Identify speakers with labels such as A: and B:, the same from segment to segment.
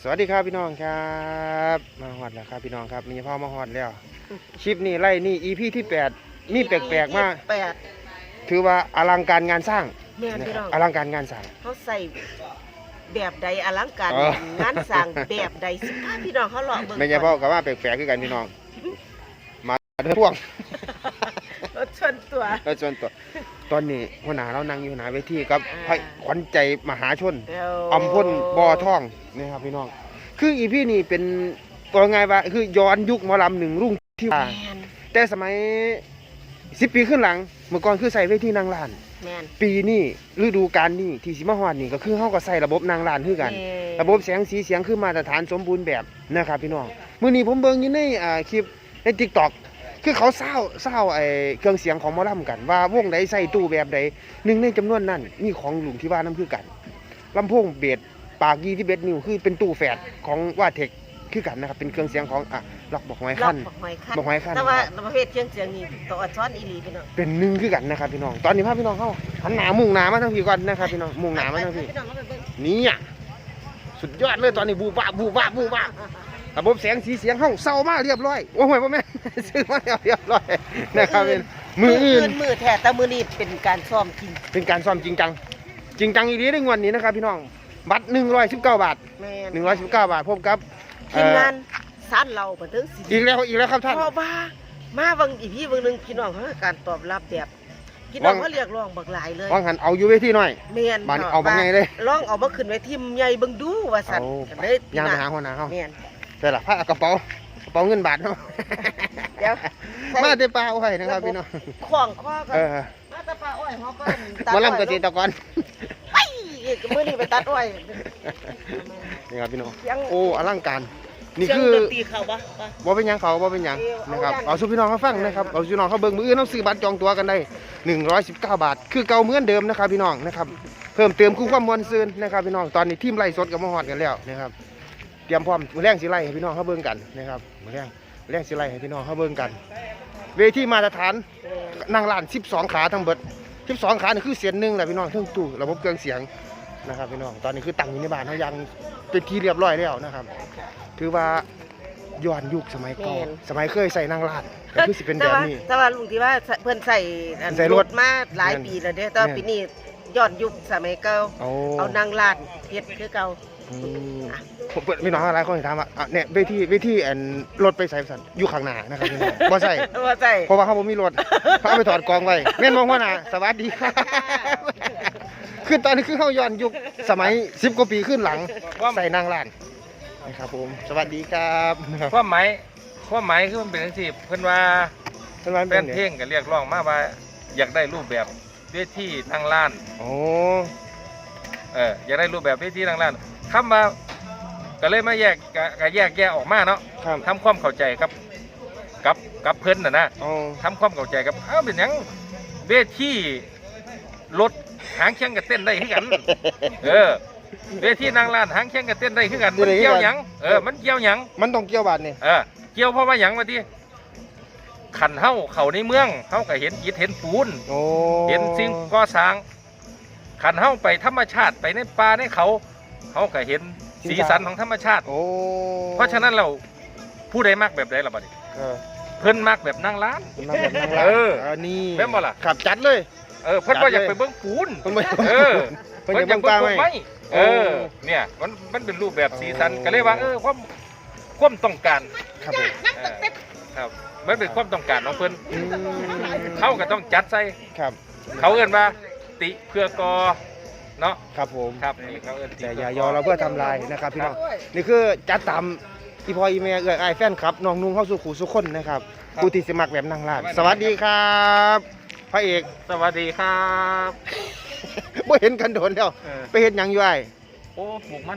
A: สวัสดีครับพี่น้องครับมาฮอดแล้วครับพี่น้องครับมีพ่อมาฮอดแล้วคลิปนี้ไล่นี่ EP ที่8นี่แปลกๆมากถือว่าอลังการงานสร้างนะครับอลังการงานสร้าง
B: เขาใส่แบบใดอลังการงานสร้างแบบใดสิพาพี่น้องเขาเลาะเบิ่ง
A: ไม่ใช่พ่อกับว่าแปลกๆคือกันพี่น้องมาเรื่องพ่วง
B: รถชนตัว
A: แล้วส่วนตัวตอนนี้หัวหน้าเรานั่งอยู่หน้าเวทีกับพระขวัญใจมหาชนอำพลบ่อทองนี่ครับพี่น้องคืออีพี่นี่เป็นตัวไงว่าคือย้อนยุคหมอลำหนึ่งรุ่งที่ว่าแต่สมัย10 ปีขึ้นหลังเมื่อก่อนคือใส่เวทีนางลานปีนี้ฤดูกาลนี้ที่สิมาฮอดนี่ก็คือเฮาก็ใส่ระบบนางลานคือกันระบบแสงสีเสียงคือมาตรฐานสมบูรณ์แบบนะครับพี่น้องมื้อนี้ผมเบิ่งอยู่ในคลิปใน TikTok คือเขาเศร้าไอ้เครื่องเสียงของหมอลำกันว่าวงใดใส่ตู้แบบใดหนึ่งในจำนวนนั้นมีของหลุงที่ว่าน้ำคือกันลำโพงเบสปาก21 นิ้วคือเป็นตู้แฝดของว่าเทคคือกันนะครับเป็นเครื่องเสียงของล็อกบอกหอยขั้นบอกหอยขั้น
B: แต่ว่าประเภทเครื่องเสียงนี่ตัวอัดช้อนอีหลีพี่น้อง
A: เป็นหนึ่งคือกันนะครับพี่น้องตอนนี้พาพี่น้องเข้าหันหน้ามุ่งหน้ามาทางพี่ก่อนนะครับพี่น้องมุ่งหน้ามาทางพี่นี่อ่ะสุดยอดเลยตอนนี้บูบ้าระบบแสงสีเสียงห้องเศร้ามากเรียบร้อยโอ้โหพ่อแม่ซื้อมาเรียบร้อยนะครับเป็นมืออื่น
B: มือแท้แต่มือนี้เป็นการซ้อมจริง
A: เป็นการซ้อมจริงจังอีกทีในวันนี้นะครับพี่น้องบัตร119 บาท119 บาทพบกับ
B: ทีมงานซ่านเราบันทึก
A: อีกแล้วครับท่าน
B: เพราะว่ามาบางอีพี่บางนึงพี่น้องเขาการตอบรับแบบพี่น้องเขาเรียกร้องบักหลายเลย
A: ว่างหันเอาอยู่เวทีหน่อย
B: เมียน
A: บ้านเอาบักไงเลย
B: ร้องเอาบักขึ้นเวทีใหญ่บังดูว่าสั่น
A: เลยยามไปหาหัวหน้าเขาแต่ละผ้ากระเป๋าเงินบาทเนาะ
B: เดี๋ยว
A: มาเตปลาอ้อยนะครับพี่น้อง
B: ขวางข้อกันมาเตปลาอ้อยเขาก็
A: มาลำเกษตรกร
B: ไปมือนี่ไปตัดอ้อย
A: นี่ครับพี่น้องโอ้อลังการนี่คือ
B: ตีเขาปะ
A: บ่เป็นยังนะครับเอาสู่พี่น้องเขาฟังนะครับเอาสู่พี่น้องเขาเบิ่งมืออื่นเอาซื้อบัตรจองตั๋วกันได้119 บาทคือเก่าเหมือนเดิมนะครับพี่น้องนะครับเพิ่มเติมคู่ความมวลซื่นนะครับพี่น้องตอนนี้ทีมไล่สดกับมาฮอดกันแล้วนะครับเตรียมพร้อมมื้อแรงสิไล่ให้พี่น้องเขาเบิ่งกันนะครับมื้อแรงสิไล่ให้พี่น้องเขาเบิ่งกันเวทีมาตรฐานนั่งลาน12 ขาทั้งเบิด12 ขานี่คือเสียงนึงแหละพี่น้องเครื่องตู้ระบบเครื่องเสียงนะครับพี่น้องตอนนี้คือตั้งอยู่ในบ้านเขายังเป็นที่เรียบร้อยแล้วนะครับถือว่าย้อนยุคสมัยก่อนสมัยเคยใส่นางลาดก็คือสิเป็นแบบนี้
B: แต่ว่าลุงที่ว่าเพื่อนใส่รถมาหลายปีแล้วเด้แต่ปีนี้ย้อนยุคสมัยเก่าเอานางลาดเฮ็ดคือเก่า
A: พี่น้องหลายคนถามว่าเนี่ยเวทีรถไปใส่สันอยู่ข้างหน้านะครับพี่น้องบ่ใช่เพราะว่าเขาบ่มีรถเขาเอาไปถอดกองไว้แม่นมองว่าน่ะสวัสดีครับคือตอนนี้คือเขาย้อนยุคสมัย10 กว่าปีขึ้นหลังใส่นางลาดนะครับผมสวัสดีครับ
C: ความหมายคือมันเป็นจังซี่เพิ่นว่าแฟนเพลงก็เรียกร้องมาว่าอยากได้รูปแบบเวทีนางลาน
A: โอ้
C: อยากได้รูปแบบเวทีนางลานคำว่าก็เลยมาแยกออกมาเนาะทำความเข้าใจกับเพิ่นนะทำความเข้าใจกับเป็นหยังเวทีรถหางเคียงกับเต้นได้คือกันเวทีนางลานหางเคียงกับเต้นได้คือกันมันเกี่ยวหยังมันเกี่ยวหยัง
A: มันต้องเกี่ยวบาดนี่
C: เกี่ยวเพราะว่าหยังว่าที่ขันเข้าในเมืองเฮาก็เห็นอิฐเห็นปูนเห็นสิ่งก่อสร้างขันเข้าไปธรรมชาติไปในป่าในเขาก็เห็นสีสันของธรรมชาติเพราะฉะนั้นเราผู้ใดมักแบบใดล่ะบัดนี้เพิ่นมักแบบนางลาน
A: นี่
C: แม่นบ่ล่ะ
A: ขับจัดเลย
C: เพิ่นบ่อยากไปเบิ่งปูนเพิ่นอยากเบิ่งป่าไม้เนี่ยมันเป็นรูปแบบสีสันก็เลยว่าความต้องการ
A: ครับผม
C: ครับมันเป็นความต้องการของเพิ่นเขาก็ต้องจัดใส่
A: ครับ
C: เขาเอิ้นว่าติเพื่อกอเนาะ
A: ครับผม
C: ครับนี่เขาเอิ้น
A: แต่อย่ายอเราเพื่อทำลายนะครับพี่น้องนี่คือจัดตามอีพออีเมลไอแฟนครับน้องนุ่งเข้าสู่ขู่สุขคนนะครับผู้ที่สมัครแบบนางลาดสวัสดีครับพระเอก
C: สวัสดีครับ
A: บ่เห็นกันโดนแล้วไปเห็นยังอยู่ไอ
C: โอ้ปลูกมัน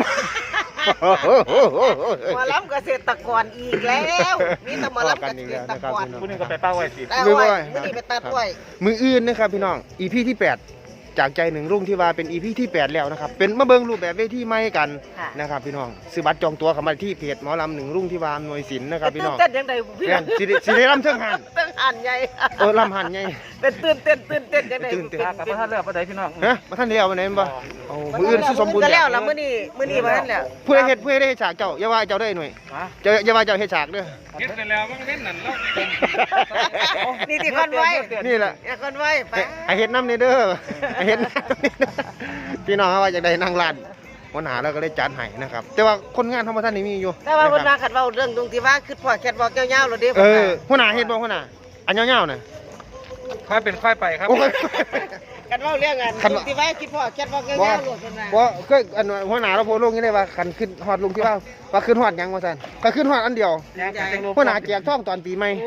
B: มาล้ำเกษตรกรอีกแล้วมีแต่มาล้ำเกษตรกร
C: ผู้นึงก็ไปเป้าไว้สิ
B: มือนี้ไปตัดไว้
A: มืออื่นนะครับพี่น้อง EP ที่8 จากใจหนึ่งรุ่งที่ว่าเป็น EP ที่8แล้วนะครับเป็นมาเบิ่งรูปแบบเวทีใหม่กัน
B: ค่ะ
A: นะครับพี่น้องซื้อบัตรจองตั๋วเข้ามาที่เพจหมอลำหนึ่งรุ่งที่ว่าหน่วยศิลป์นะครับพี่น้อง
B: เต้นยังไงพี่
A: แม่นสิได้รำเทิงหัน
B: เต้นหันใหญ่
A: รำหันไง
B: เป็นตื่นเต้นยังไง
A: ตื่นเต้น
C: กับพระท่านเลือกพระใดพี่น้อง
A: ฮะมาท่านเดียววันไหนบ่เอามืออื่นสิสมบูรณ์
B: ก็
A: แล้
B: แล้ว วล่ะมื้อนี้บ่ทันแล้ว
A: ผู้ใดได้เฮ็ดฉากเจ้าอย่าว่าเจ้าได้หน่วยอย่าว่าเจ้าเฮ็ดฉากเด้อ
C: เฮ็ดไปแล้วบางเว้นนั่นแล้ว
B: นี่ที่คนไว้
A: นี่แหละ
B: อย่าคนไว้ไป
A: ไอเฮ็ดน้ำนี่เด้อไอเฮ็ดน้ำนี่เด้อพี่น้องว่าอยากได้นั่งร้านวันหาแล้วก็เลยจัดให้นะครับแต่ว่าคนงานธรรมท่านนี่มีอยู่
B: แต่ว่าเพิ่นว่าคันเว้าเรื่องตรงที่ว่าคือพ่อแคทบอกยาวๆแล้วเด้
A: หัวหน้าเฮ็ดบ่หัวหน้าอันยาวๆน่ะ
C: ค่อยเป็นค่อยไปครับ
A: โอ้ย
B: กันเว้าเรื่องกัน
A: คัน
B: ตรงที่ว่าคิดพ่อแคทบอกยาว
A: บ่
B: ๆโลดเพิ่นว่า
A: บ่เคยอันหัวหน้าเราโพสต์ลงนี่ได้ว่าคันขึ้นฮอดลงที่ว่าขึ้นฮอดหยังว่าซั่นก็ขึ้นฮอดอันเดียวหัวหน้าแจกทองตอนปีใหม่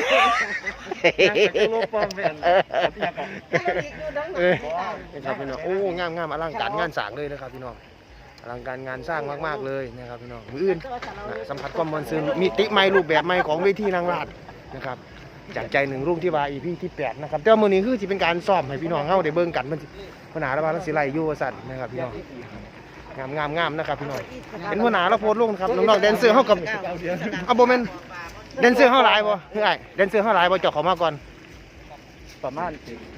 A: นะครับพี่น้องโอ้งามอลังการงานสร้างเลยนะครับพี่น้องอลังการงานสร้างมากๆเลยนะครับพี่น้องมื้ออื่นสัมผัสความมวลซื่นมิติใหม่รูปแบบใหม่ของเวทีนางราชนะครับจากใจหนึ่งรุ่งที่ว่า EP ที่8นะครับแต่ว่ามื้อนี้คือสิเป็นการซ้อมให้พี่น้องเฮาได้เบิ่งกันมันสิหัวหน้าระบาดสิไล่อยู่ว่าซั่นนะครับพี่น้องงามนะครับพี่น้องเห็นหัวหน้าเราโพสต์ลงนะครับน้องๆแดนเซอร์เฮากับบ่แม่นแดนเซอร์เฮาหลายบ่คือไอ้แดนเซอร์เฮาหลายบ่เจ้าเข้ามาก่อน
C: ประมาณ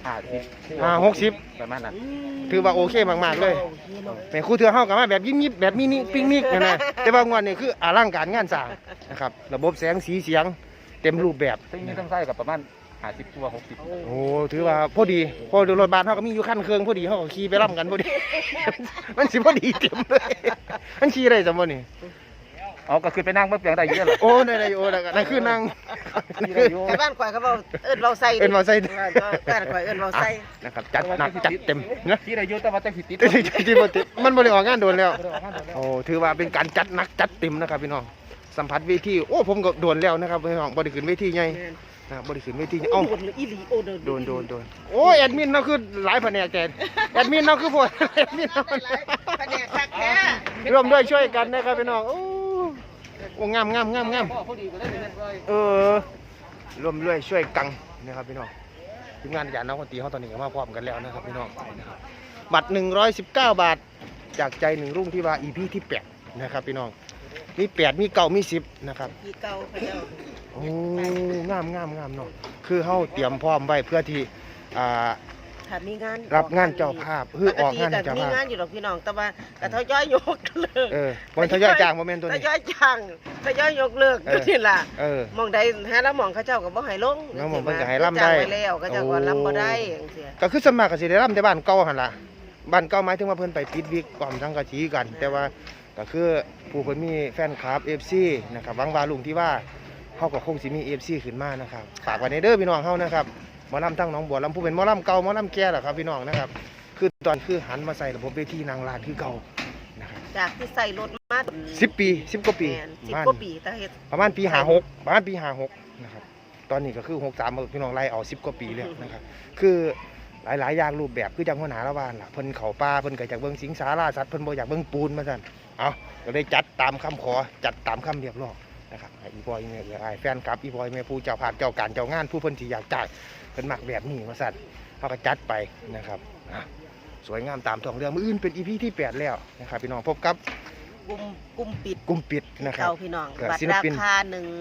A: 60
C: ประมาณนั้น
A: ถือว่าโอเคมากๆเลยแม่ครูเทือเฮาก็มาแบบยิ้มๆแบบมินิปิกนิกนะแต่ว่างวดนี้คืออลังการงานสร้างนะครับระบบแสงสีเสียงเต็มรูปแบบ
C: ซึ่งนี่ต้องใช้กับประมาณ50ตัว60
A: โอ้ถือว่าพอดีพอรถบัสเฮาก็มีอยู่คันเครื่องพอดีเฮาก็ขี่ไปร่ำกันพอดี มันสิพอดีเต็มเลยมันขี่ได้จังบ่นี่
C: เอาก็ขึ้นไปนั่งเบิ่งเปียงได้เยอะเลย
A: โอ้ได้โอ้นั่นคือนั่ง
B: แต่บ้านข่อยเขาเว้าเอิ้นเว้าใส่
A: เอิ้นเว้าใส่
B: บ้านข่อยเอิ้นเว้าใส่
A: นะครับจัดหนักจัดเต็มนะ
C: ที่ได้เยอะแต่ว่าจะผิดติด
A: ที่บ่ติดมันบ่ได้ออกงานโดนแล้วโอ้ถือว่าเป็นการจัดหนักจัดเต็มนะครับพี่น้องสัมผัสเวทีโอ้ผมก็โดนแล้วนะครับพี่น้องบ่ได้ขึ้นเวทีใหญ่นะบ่ได้ขึ้นเวทีเอ้า
B: โดนอีหลีโอ้โดน
A: โอ้ยแอดมินเราคือหลายแผนกแกแอดมินเราคือพวกแอดมินเรา
B: แผนกคักแท้
A: ร่วมด้วยช่วยกันนะครับพี่น้องโอ้งามเออร่วมด้วยช่วยกันนะครับพี่น้องทีมงานอาจารย์น้องคนตีเขาตอนนี้ก็มาพร้อมกันแล้วนะครับพี่น้องบัตร119 บาทจากใจหนึ่งรุ่งที่ว่า EP ที่8นะครับพี่น้องมี8มี9มี10นะครับ
B: พี่เก่าเขาเจ้า
A: โอ้งามเนาะคือเฮาเตรียมพร้อมไว้เพื่อที่
B: ถ้ามีงาน
A: รับงานเจ้าภาพคือออกงานเจ้า
B: มี
A: ภาพ
B: งานอยู่ดอกพี่น้องแต่ว่าก็ทยอยยกเลิก
A: บ่ทยอยจ้างบ่แม่นตัว
B: ท
A: นี้
B: ยอยจ้างทยอยยกเลิกนี่ล่ะ
A: เออ
B: มองใดหาแล้วมองเขาเจ้าก็บ่ให้ลง
A: แล้วหม้องเพิ่นก็ให้รำได้
B: จ้างไว้แล้วก็เจ้าก็รำบ่ได้จังซี่
A: ก็คือสวนมัครก็สิได้ร่ำแต่บ้านเก่าหั่นล่ะบ้านเก่าหมายถึงว่าเพิ่นไปปิดวิกความสังกะสีกัน แต่ว่าก็คือผู้เพิ่นมีแฟนคลับ FC นะครับหวังว่าลุงที่ว่าเฮาก็คงสิมี FC ขึ้นมานะครับฝากไว้ในเด้อพี่น้องเฮานะครับหมอลำทั้งหนองบัวลำผู้เป็นหมอลำเก่าหมอลำแก่ล่ะครับพี่น้องนะครับคือตอนคือหันมาใส่ระบบเวทีนางลานคือเก่านะครับ
B: จากที่ใส่รถมา
A: 10 ปี10กว่าปี
B: แม่น10กว่าปีแต่เฮ็ด
A: ประมาณปี56ประมาณปี56นะครับตอนนี้ก็คือ63พี่น้องไล่เอา10กว่าปีแล้วนะครับคือหลายอย่างรูปแบบคือจังหัวหน้าละบ้านล่ะเพิ่นเข้าป่าเพิ่นก็อยากเบิ่งสิงสาราสัตว์เพิ่นบ่อยากเบิ่งปูนมาซั่นเอาก็เลยจัดตามคำขอจัดตามคำเรียกร้องนะครับให้อีบอยเนี่ยไอ้แฟนคลับอีบอยแม่ผู้เจ้าภาพเจ้าการเจ้างานผู้เพิ่นที่อยากจ่ายเพิ่นมักแบบนี้ว่าซั่นเฮาก็จัดไปนะครับสวยงามตามท้องเรื่องมื้ออื่นเป็น EP ที่8แล้วนะครับพี่น้องพบกับ
B: กลุ่มปิด
A: กลุ่มปิดนะครับ
B: เก่าพี่น้อง
A: ก็
B: บัต
A: ศิ
B: ร
A: ล
B: รา
A: ปิน
B: คา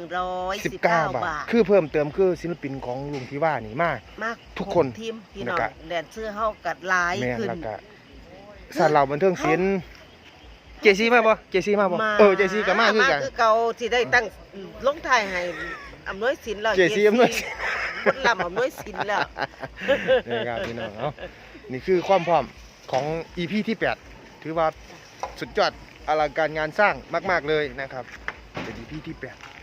B: 119 บาท
A: คือเพิ่มเติมคือศิลปินของลุงที่ว่านี่มาก
B: มาก
A: ทุกคน
B: ทีมพี่น้อง
A: แล้วก็
B: แดนเสื้อเฮากัดหลาย
A: แม่น
B: ขึ้น
A: แล้วก็สารเหล่าบันเทิงศิลป์เจซี่มาบ่เจซี่มาบ่เจซี่ก็มาคือกัน
B: คือเก่าที่ได้ตั้งลงท้ายให้อำนวยสินแล้ว
A: เจซี่อำนวยสิน
B: คนลำอำนวยสินแล้ว
A: นี่ครับพี่น้องเอานี่คือความพร้อมของ EP ที่8ถือว่าสุดยอดอลังการงานสร้างมากๆเลยนะครับเป็น EP ที่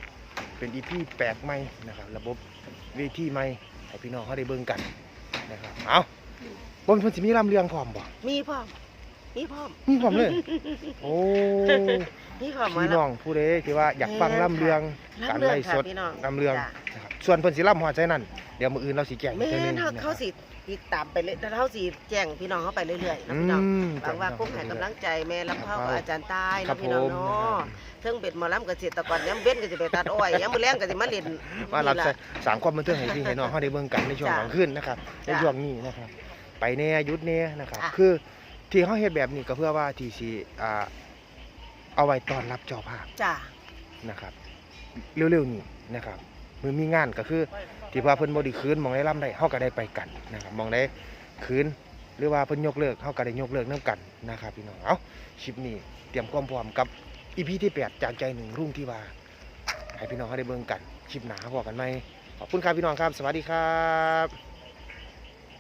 A: 8เป็น EP แปลกใหม่นะครับระบบเวทีใหม่ให้พี่น้องเขาได้เบิ่งกันนะครับเอาบนเพิ่นสิมีลำเรื่องพร้อมบ่
B: มีพร้อม
A: มีพร้อมเลย โอ้
B: มีพร้อมมา
A: พี่
B: แล้ว
A: น้องผู้ใดที่ว่าอยากฟังลำเรื่องการไล่สด
B: พี่น้อง
A: ลำเรื่อง
B: จ้ะ
A: นะครับส่วนเพิ่นสิลำฮอดใจนั่นเดี๋ยวมื้ออื่นเราสิแจ้งอี
B: แม่
A: กเทื่อนึง
B: น
A: นะครับ
B: เขาสิติดตามไปเลยแต่เขาสิแจ้งพี่น้องเขาไปเรื่อยๆนะพี่น้องหวังว่าคงให้กำลังใจแม่ลำเผากับอาจารย์ตาย
A: ครั
B: นะ
A: บ
B: พี่น้อง
A: ผม
B: เนาะเทิงเบ็ดหมอลำเกษตรกรย้ำเว้นก็สิไปตัดอ้อยย้ำมื้อแรงก็สิมาเล่น
A: มารับ
B: นี่ล่ะ
A: สร้างความบันเทิงให้พี่ให้น้องเฮาได้เบิ่งกันในช่วง
B: จ้ะ
A: กลางคืนนะครับใน
B: จ้ะ
A: ช่วงนี้นะครับไปแน่หยุดแน่นะครับ
B: ค่ะ
A: คือที่เฮาเฮ็ดแบบนี้ก็เพื่อว่าที่สิเอาไว้ต้อนรับเจ้าภาพ
B: จ้ะ
A: นะครับเร็วๆนี้นะครับมือมีงานก็คือที่ว่าเพิ่นบ่ได้คืนหมองได้ล่ำได้เฮาก็ได้ไปกันนะครับหมองได้คืนหรือว่าเพิ่นยกเลิกเฮาก็ได้ยกเลิกนํกันนะครับพี่น้องเอาคลิปนี้เตรียมความพร้อมกับ EP ที่8จากใจหนึ่งรุ่งที่ว่าให้พี่น้องเฮาได้เบิ่งกันคลิปหน้าพบกันใหม่ขอบคุณครับพี่น้องครับสวัสดีครับ